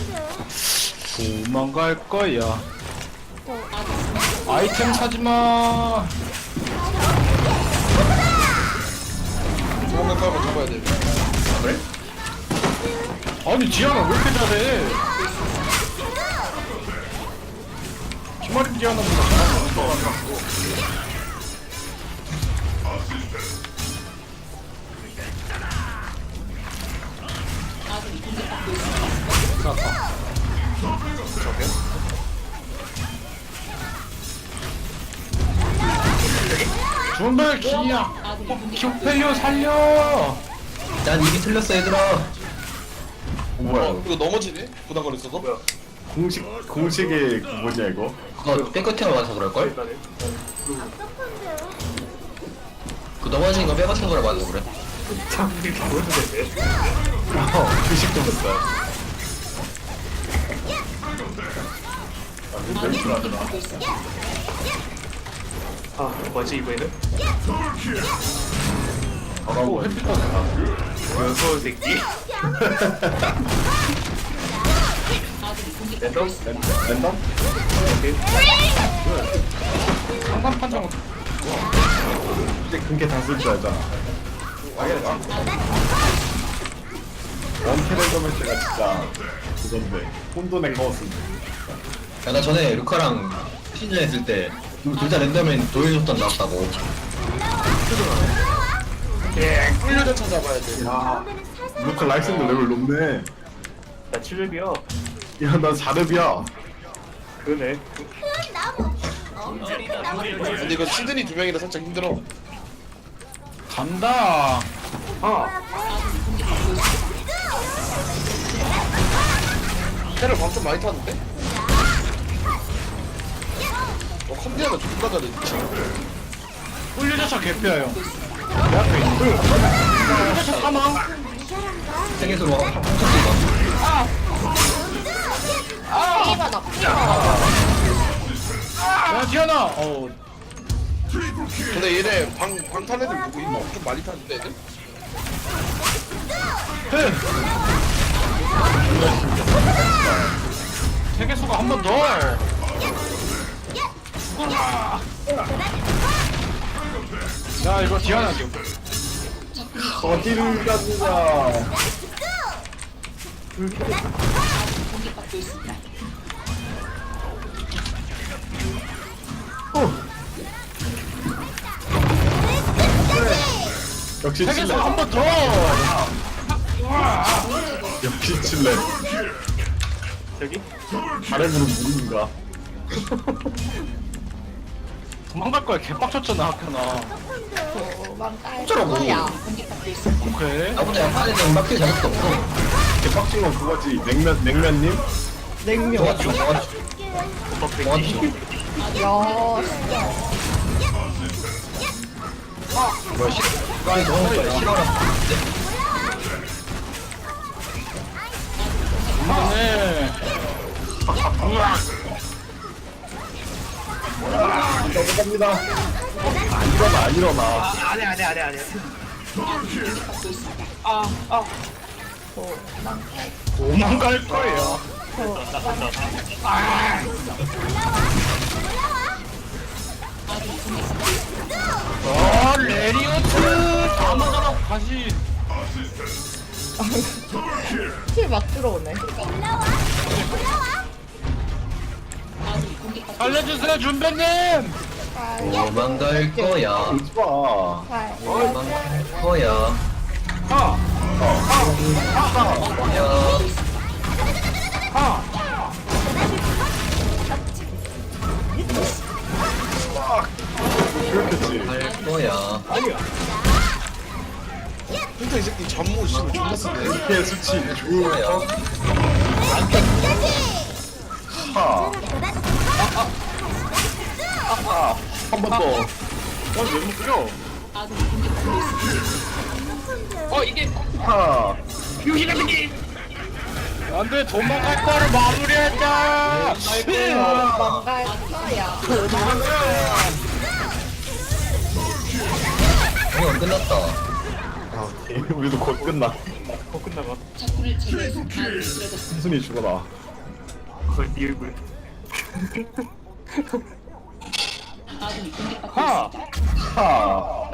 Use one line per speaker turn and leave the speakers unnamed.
도망갈 거야. 아이템 사지마.
저거만 깔고 잡아야 돼.
아, 그래?
아니 지아나 왜 이렇게 잘해? 주말인 지아나보다 잘하는 거 같고.
저게?
준비 기야. 큐페이오 살려.
난 입이 틀렸어 얘들아.
뭐야?
이거 넘어지네? 부담 걸렸어도? 뭐야?
공식의 뭐냐 이거?
그거 백커팅을 맞아서 그럴걸? 그 넘어지는 거 백커팅 거라 맞아서 그래.
의식도 못해.
아 뭐지 이번에는?
오 햇빛 떴다.
연소 새끼. 랜덤?
랜덤?
상단 판정.
이제 그게 다 쓸 줄 알잖아. 원캐 랜덤 때가 진짜 그건데 혼돈에 넣었는데.
야, 나 전에 루카랑 시즌 했을 때 둘 다 랜덤엔 도일줬던 나왔다고.
예, 꿀려전 찾아봐야 돼.
야, 루카 라이센더 레벨 높네.
나 7렙이야.
야, 나 4렙이야.
그러네.
근데 이거 시드니 두 명이라 살짝 힘들어.
간다.
아
테를 방좀 많이 타는데? 컴퓨터가 존나 잘해.
꿀유자차 개피야 형. 내 앞에 있는. 꿀유자차 사망.
세계수로 훔쳤어.
야 지아나.
근데 얘네 방탄 애들 누구 있나? 좀 많이 타는데 애들?
세계수가 한 번 더. 죽어라. 야 이거 지아나 지금.
어디를 가느냐. 역시
세계수
칠레.
한 번 더.
역시 칠레.
저기?
바람으로 무는가?
도망갈 거야 개빡쳤잖아 학교나.
어쩌라고.
오케이.
나보다 약한 애들은 막힐 자격도 없어.
개빡친 건 그거지. 냉면님?
정화주, 정화주. 정화주. 뭐야, 시간이 정화주가 싫어라.
그만해.
넘어갑니다. 안 일어나.
안해.
도망갈 거예요. 레리오트 다 맞아라 다시.
킬막 들어오네.
알려주세요 준배님.
도망갈 거야.
오지 마.
도망갈 거야.
하.
야,
하.
그렇겠지.
갈 거야.
진짜 이 새끼 잠못 씨발 존나 쓰네.
피해 수치 주.
거야.
하. 한 번 더.
왜 묶여?
하.
안돼 도망갈 거를 마무리하자.
도망갈 거야.
이건 끝났다.
우리도 곧 끝나.
끝나가.
순순히 죽어라.
네 얼굴. 하!
하.